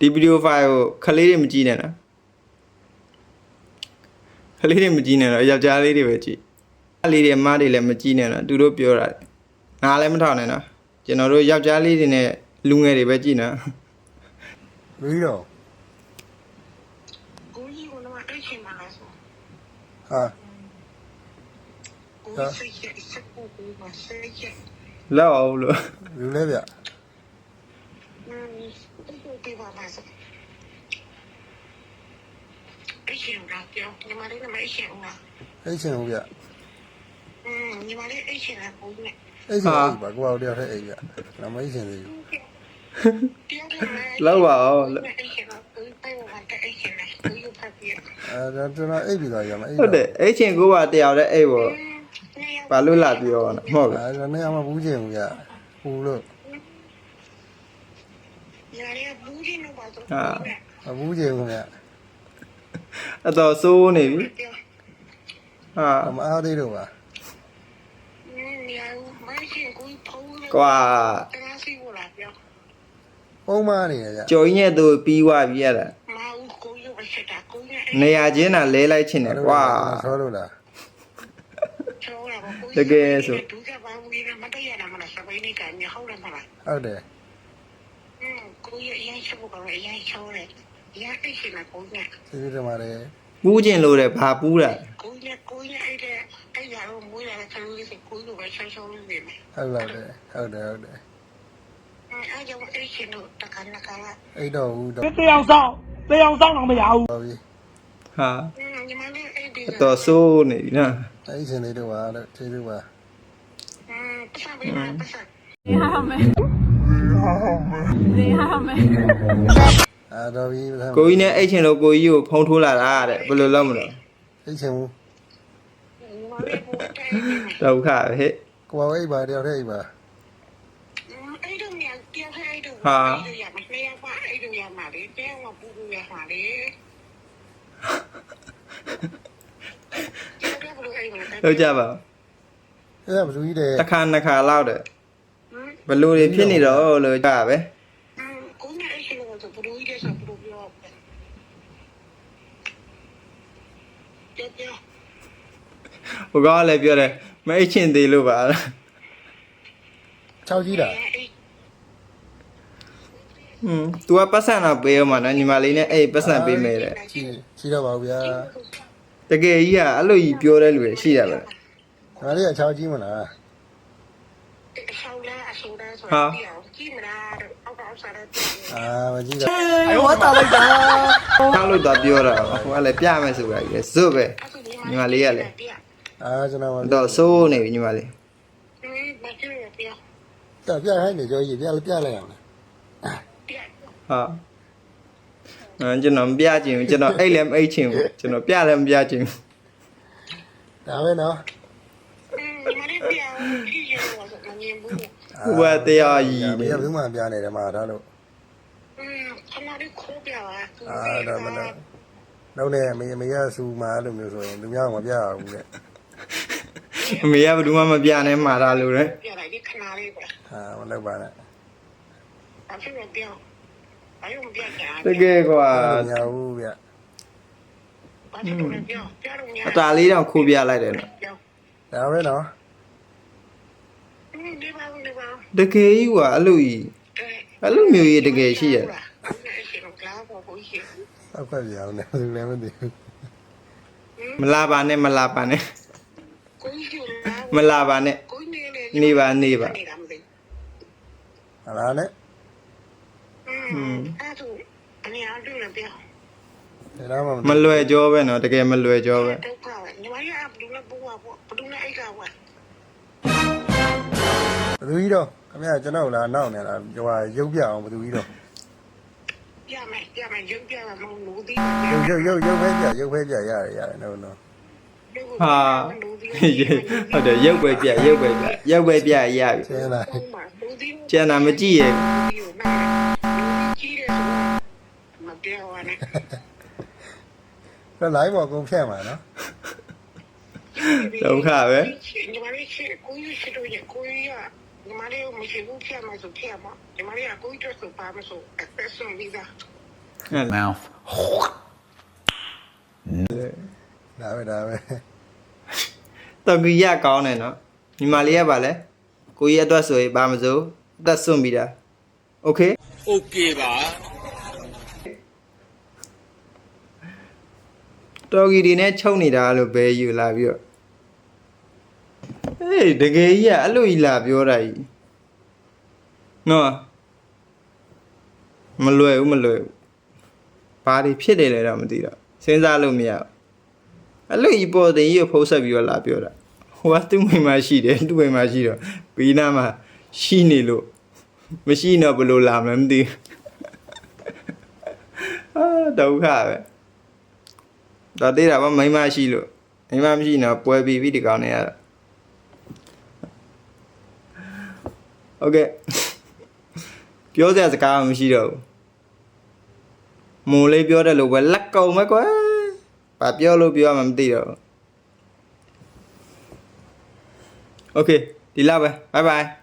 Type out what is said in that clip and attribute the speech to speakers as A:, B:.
A: ဒီဗီဒီယိုဖိုင်ကိုခလေးတွေမကြည့်နဲ့နော်ခလေးတွေမကြည့်နဲ့တော့ယောက်ျားလေးတွေပဲကြည့်အလေးတွေအမတွေလည်းမကြည့်နဲ့နော်သူတို့ပြောတာငါလည်းမထောက်နဲ့နော်ကျွန်တော်တို့ယောက်ျားလေးတွေနဲ့လူငယ်တွေပဲကြည့်နော်
B: ပြီးတော့
C: ကိုကြီးကတော့အဲ့ချိန်မှာလဲဆို
B: ဟာ
C: ကိုစိတ်ရဲ့စက်ကိုမစိတ်ရဲ့
A: လောက်အောင်လို့
B: လူလဲဗျ
C: ကိုပြပါပါစအဲ့ချိန်ကပြောညီမလေးကမအဲ့ချိန်က
B: အဲ့ချင်းဟုတ်ဗျ
C: ညီမလေးအဲ့ချိန်ကကိုနဲ့
B: အဲ့ချင်းပါကိုအောင်တယောက်ထဲအိမ်ဗျနမအဲ့ချင်းလေး
A: လောက်ပါအောင်
C: အဲ့ချိန်ကကိုပိုင်ဝတ်အဲ့ချိန်ကကိုယူဖတ်ပြ
B: ဒါကျွန်တော်အိပ်ပြီးသွားရမှာအိပ်
A: ဟုတ်တယ်အဲ့ချင်းကိုကတယောက်တည်းအိပ်ပေါ့ဘာလို့လာပြောရအောင်ဟုတ်လား
B: ဒါနဲ့အမဘူးချင်းဘူးဗျဘူးလို့
C: ညာရီဘူးချင်းတော့ပါတော့
B: ဟာဘူးချင်းဘူးဗျ
A: အတော်ဆိုးနေပြီဟာ
B: မအားသေးတော့ပါ
A: ကွာ
B: ပုံမှန်နေရကြ
A: ကြော်ကြီးနဲ့သူပြီးွားပြီးရတာနေရာချင်းတာလဲလိုက်ချင်တယ်ကွာ
B: ဆောလို့လား
A: တကယ်ဆို
B: ဟုတ်တယ်
C: ကိုရအရင်ချက်ဖို့ကအရင်ချောတယ်ရအိတ်ရှင်ကကိုည
B: စီးတယ်မှာလေ
A: ပူးကျင်လို့တယ်ဘာပူးတာ
C: ကိုရအဲ့ရတော့မွေးလာတဲ့ခလူလေးစကိုလိုပဲချောင်းလေးနေမယ်
B: ဟုတ်လားဟုတ်တယ်
C: အဲ့ကြောင့်အိတ်ရှင်တို့တခါနခါ
B: အိတ်တော့ဘူးတော့
D: တရားဆောင်တော့မရဘူး
B: ဟုတ်ပြီ
A: ဟာ
C: ညီမလေးအိတ်ဒီ
A: တော်ဆိုးနေပြီနော်
B: အဲ့ရှင်လေးတော့ပါတော့ကျေးဇူးပါ
C: ပတ်စံပေးပါပတ်စံ
B: တော်ပြီ
A: ကိုကြီးနဲ့အိတ်ချင်လို့ကိုကြီးကိုဖုံးထိုးလာတာတဲ့ဘယ်လိုလုပ်မလို့
B: အိတ်ချင်ဘူး
A: ဒုက္ခဟဲ့
B: ကိုပါအိတ်ပါတယောက်တည်းအိတ်ပါ
C: အဲ့တော့မြန်ပြောင်းအဲ့တော့
A: ဟာ
C: ရမလဲပါအဲ့တော့ရမှာလေတဲဝပူပူရမှာလေ
A: လောက်ကြပါ
B: အဲ့ဒါဘယ်လိုကြီးတယ်
A: တစ်ခါနှစ်ခါလောက်တယ်ဘယ်လိုတွေဖြစ်နေတော့လို့ကြပါပဲ
C: ကိုနဲ့အဲ့ရှိလို့ဆိုဘလူးကြီးတဲ့ဆိုဘလူးပြော
A: ဟိုကလည်းပြောတယ်မအိတ်ချင်သေးလို့ပါ
B: 6ကြီးတာ
A: तू ကပတ်စံတော့ပေးအောင်မနော်ညီမလေးနဲ့အဲ့ပတ်စံပေးမယ်တဲ့
B: ရှိတော့ပါဘူးဗျာ
A: တကယ်ကြီးကအဲ့လိုကြီးပြောတဲ့လူတွေရှိတာပဲ
B: ဒါလေးက6ကြီးမလား
A: ဟာ
B: မကြည့်တော့
D: 我打了呀
A: ထားလို့တော့ပြောတာဟိုကလည်းပြမယ်ဆိုတာကြီးဇွတ်ပဲညီမလေးကလည်း
B: ကျွန်တော်
A: တော့စိုးနေပြီညီမလေး
B: တော့ပြခိုင်းနေကြောကြီးပြလိုက်အောင်
A: ဟာကျွန်တော်မပြချင်ဘူးကျွန်တော်အိတ်လည်းမအိတ်ချင်ဘူးကျွန်တော်ပြလည်းမပြချင်ဘူး
B: ဒါပဲနော်
A: ဟိုကတရားကြီး
B: နေဘယ်သူမှပြနေတယ်မှာဒါလို့
C: ခဏလေးခိုးပြပါ
B: ဒါမနော်နောက်နဲ့မေရဆူမှာလို့မျိုးဆိုရင်လူများမပြရဘူးတဲ့
A: အမေကဘယ်သူမှမပြနဲ့မှာတာလို့လေ
C: ပြလိုက်ဒီခဏလေးပဲ
B: မလုပ်ပါနဲ့
C: အဖေကပြောအယုံပြကြ
A: တကယ်ကွာ
B: မရဘူးဗျ
A: အတားလေးတော့ခိုးပြလိုက်တယ်နော်
B: ဒါပဲနော်
A: တကယ်ကြီးကွာအဲ့လိုကြီးအဲ့လိုမျိုးကြီးတကယ်ရှိရ
B: အခွက်ပြောင်းနေတယ်လည်းမသိဘူး
A: မလာပါနဲ့မလာပါနဲ့မလာပါနဲ့နေပါနေပါ
B: ဟာလားနဲ့
C: အဲ့ဒါအနေအားတူလည်းပြော
A: မလွယ်ကြောပဲနော်တကယ်မလွယ်ကြောပဲ
C: ဒုက္ခပဲညီမရဘလူးနဲ့ပူပါပေါ့ဘလူးနဲ့အိတ်ကဝဲ
B: ဘသူကြီးတော့ခင်ဗျာကျွန်တော်လာနောက်နေလားဟိုရုပ်ပြအောင်ဘသူကြီးတော့
C: ပြမယ်ရုပ်ပြမှာမဟုတ်ဘူးဒီ
B: ရုပ်ပဲပြရတယ်နော်
A: ဟာဟုတ်တယ်ရုပ်ပဲပြရပြီကျန်တာမကြည့်ရ
C: မပြောရနဲ့
B: တော့ live ပေါ်ကုန်ဖြတ်မှာနော်
A: ဒုက္ခပဲ
C: ညီမလေးကိုကြီးရှိတော့ကိုကြီးကညီမလေးမရှိဘူးဖြတ်မှာဆိုဖြတ်မှာညီမလေးကကိုကြီးတော့ဆိုပါမဆိုအသက်ဆုံးပြီးသား
E: Mouth.
B: ဒါပဲ
A: တော်ကြီးရကောင်းတယ်နော်ညီမလေးကပါလဲကိုကြီးအတွက်ဆိုရင်ဘာမစိုးအသက်စွန့်ပြီးတာโอเค
E: Okay ပါ
A: တော်ကြီးတွေနဲ့ချုပ်နေတာလို့ပဲယူလာပြီးတော့ဟေးတကယ်ကြီးကအဲ့လိုကြီးလာပြောတာကြီးနော်မလွယ်ဘူးဘာတွေဖြစ်တယ်လဲတော့မသိတော့စဉ်းစားလို့မရဘူးအဲ့လိုကြီးပေါ်တင်ကြီးကိုဖုံးဆက်ပြီးတော့လာပြောတာဟိုကသူ့မိန်းမရှိတယ်သူ့မိန်းမရှိတော့ဘီနာမှာရှိနေလို့မရှိတော့ဘယ်လိုလာမလဲမသိဘူးအာဒုက္ခပဲတော်သေးတာဗောမိန်းမရှိလို့မိန်းမရှိတော့ပွဲပြီးပြီဒီကောင်နေရတာโอเคပြောစရာစကားမရှိတော့ဘူးမိုးလေးပြောတယ်လို့ပဲလက်ကုံပဲကွာဘာပြောလို့ပြောမှမသိတော့ဘူးโอเคဒီလောက်ပဲ bye bye